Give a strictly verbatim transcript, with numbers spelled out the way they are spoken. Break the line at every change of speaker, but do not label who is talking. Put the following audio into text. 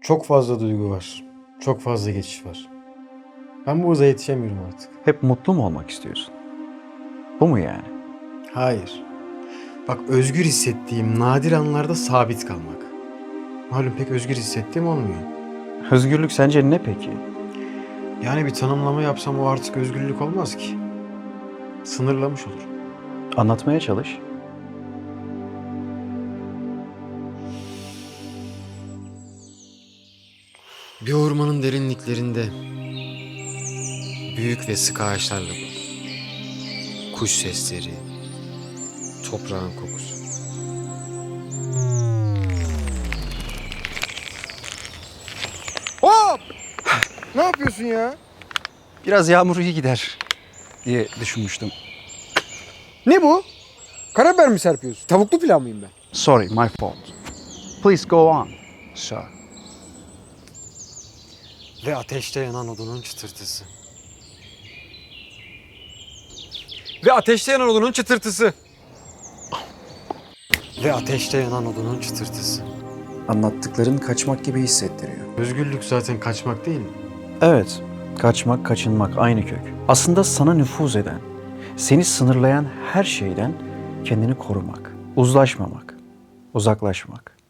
Çok fazla duygu var. Çok fazla geçiş var. Ben bu hıza yetişemiyorum artık.
Hep mutlu mu olmak istiyorsun? Bu mu yani?
Hayır. Bak, özgür hissettiğim nadir anlarda sabit kalmak. Malum pek özgür hissettiğim olmuyor.
Özgürlük sence ne peki?
Yani bir tanımlama yapsam o artık özgürlük olmaz ki. Sınırlamış olur.
Anlatmaya çalış.
Bir ormanın derinliklerinde büyük ve sık ağaçlarla dolu. Kuş sesleri, toprağın kokusu.
Hop! Ne yapıyorsun ya?
Biraz yağmur iyi gider diye düşünmüştüm.
Ne bu? Karabiber mi serpiyorsun? Tavuklu pilav mıyım ben?
Sorry, my fault. Please go on, sir.
Ve ateşte yanan odunun çıtırtısı. Ve ateşte yanan odunun çıtırtısı. Ve ateşte yanan odunun çıtırtısı.
Anlattıkların kaçmak gibi hissettiriyor.
Özgürlük zaten kaçmak değil mi?
Evet, kaçmak, kaçınmak aynı kök. Aslında sana nüfuz eden, seni sınırlayan her şeyden kendini korumak, uzlaşmamak, uzaklaşmak.